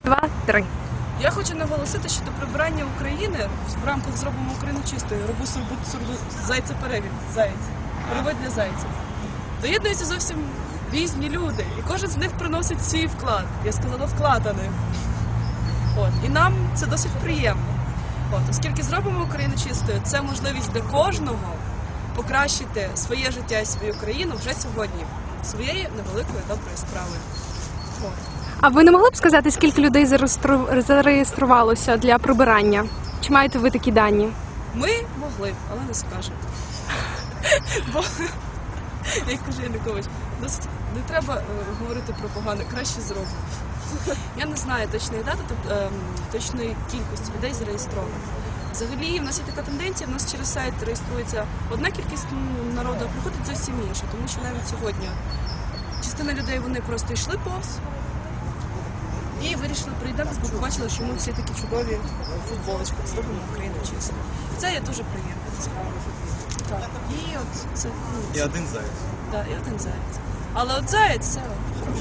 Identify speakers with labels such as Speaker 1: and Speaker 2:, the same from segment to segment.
Speaker 1: 2, 3.
Speaker 2: Я хочу наголосити, що до прибирання України в рамках «Зробимо Україну чистою» зайця перевід, перевод для зайців. Доєднуються зовсім різні люди, і кожен з них приносить свій вклад. Я сказала вклад, а не. І нам це досить приємно. Оскільки «Зробимо Україну чистою» – це можливість для кожного покращити своє життя і свою країну вже сьогодні, своєю невеликою доброю справою.
Speaker 1: А ви не могли б сказати, скільки людей зареєструвалося для прибирання? Чи маєте ви такі дані?
Speaker 2: Ми могли б, але не скажемо. Бо, як каже Янукович, досить не треба говорити про погане, краще зробимо. Я не знаю точної дати, точної кількості людей зареєстровано. Взагалі, в нас є така тенденція, в нас через сайт реєструється одна кількість народу, а приходить зовсім інша, тому що навіть сьогодні частина людей, вони просто йшли повз і вирішили прийти, бо побачили, що ми всі такі чудові футболочки, «Зробимо Україну чистою». Це є дуже приємно, насправді. Так. І от це...
Speaker 3: І один заяць.
Speaker 2: Так, і один заяць. Але от заяць – це хороше.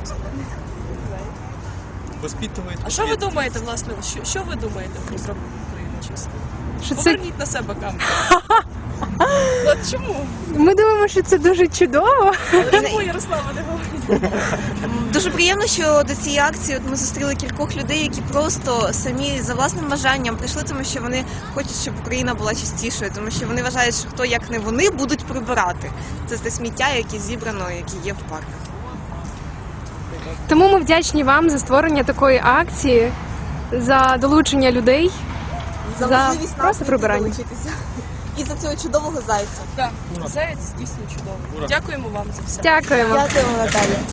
Speaker 3: Воспитывает.
Speaker 2: А що ви думаєте, власне, що ви думаєте про «Зробимо Україну чистою»?
Speaker 1: Що це...
Speaker 2: Поверніть на себе камеру. От чому?
Speaker 1: Ми думаємо, що це дуже чудово.
Speaker 2: Чому Ярослава не говорить?
Speaker 4: Дуже приємно, що до цієї акції ми зустріли кількох людей, які просто самі за власним бажанням прийшли, тому що вони хочуть, щоб Україна була чистішою, тому що вони вважають, що хто як не вони будуть прибирати. Це те сміття, яке зібрано, яке є в парках.
Speaker 1: Тому ми вдячні вам за створення такої акції, за долучення людей, за
Speaker 4: можливість
Speaker 1: просто прибирання.
Speaker 4: долучитися. І за цього чудового зайця.
Speaker 2: Так, заяць дійсно чудовий. Дякуємо вам за все.
Speaker 1: Дякуємо.
Speaker 4: Дякуємо, Наталя.